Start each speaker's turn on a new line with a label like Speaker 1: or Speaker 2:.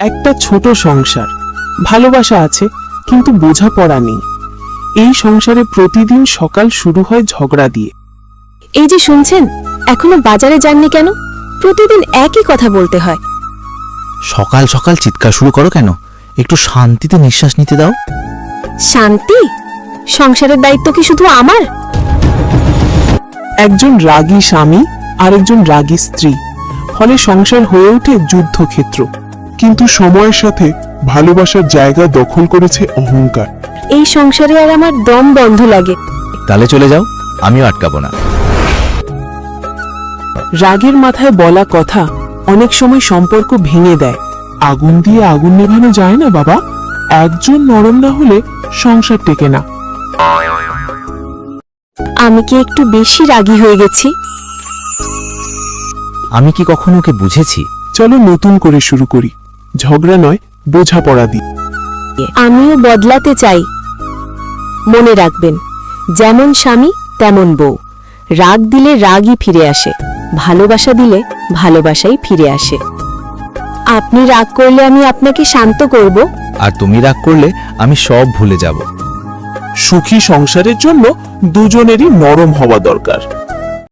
Speaker 1: একটা ছোট সংসার, ভালোবাসা আছে কিন্তু বোঝাপড়া নেই। এই সংসারে প্রতিদিন সকাল শুরু হয় ঝগড়া দিয়ে।
Speaker 2: এই যে শুনছেন, এখনো বাজারে যাননি কেন? প্রতিদিন একই কথা বলতে হয়।
Speaker 3: সকাল সকাল চিৎকার শুরু করো কেন? একটু শান্তিতে নিঃশ্বাস নিতে দাও।
Speaker 2: শান্তি? সংসারের দায়িত্ব কি শুধু আমার?
Speaker 1: একজন রাগী স্বামী আর একজন রাগী স্ত্রী, ফলে সংসার হয়ে ওঠে যুদ্ধক্ষেত্র।
Speaker 4: কিন্তু সময়ের সাথে ভালোবাসার জায়গা দখল করেছে অহংকার।
Speaker 2: এই সংসারে আর আমার দম বন্ধ লাগে।
Speaker 3: তাহলে চলে যাও, আমিও আটকাবো না।
Speaker 1: রাগের মাথায় বলা কথা অনেক সময় সম্পর্ক ভেঙে দেয়।
Speaker 4: আগুন দিয়ে আগুন নেভানো যায় না বাবা। একজন নরম না হলে সংসার টেকে না।
Speaker 2: আমি কি একটু বেশি রাগী হয়ে গেছি?
Speaker 3: আমি কি কখনো ওকে বুঝেছি?
Speaker 4: চলো নতুন করে শুরু করি, ঝগড়া নয় বোঝাপড়া দিই।
Speaker 2: আমিও বদলাতে চাই। মনে রাখবেন, যেমন স্বামী তেমন বউ। রাগ দিলে রাগই ফিরে আসে, ভালোবাসা দিলে ভালোবাসাই ফিরে আসে। আপনি রাগ করলে আমি আপনাকে শান্ত করব।
Speaker 3: আর তুমি রাগ করলে আমি সব ভুলে যাব।
Speaker 1: সুখী সংসারের জন্য দুজনেরই নরম হওয়া দরকার।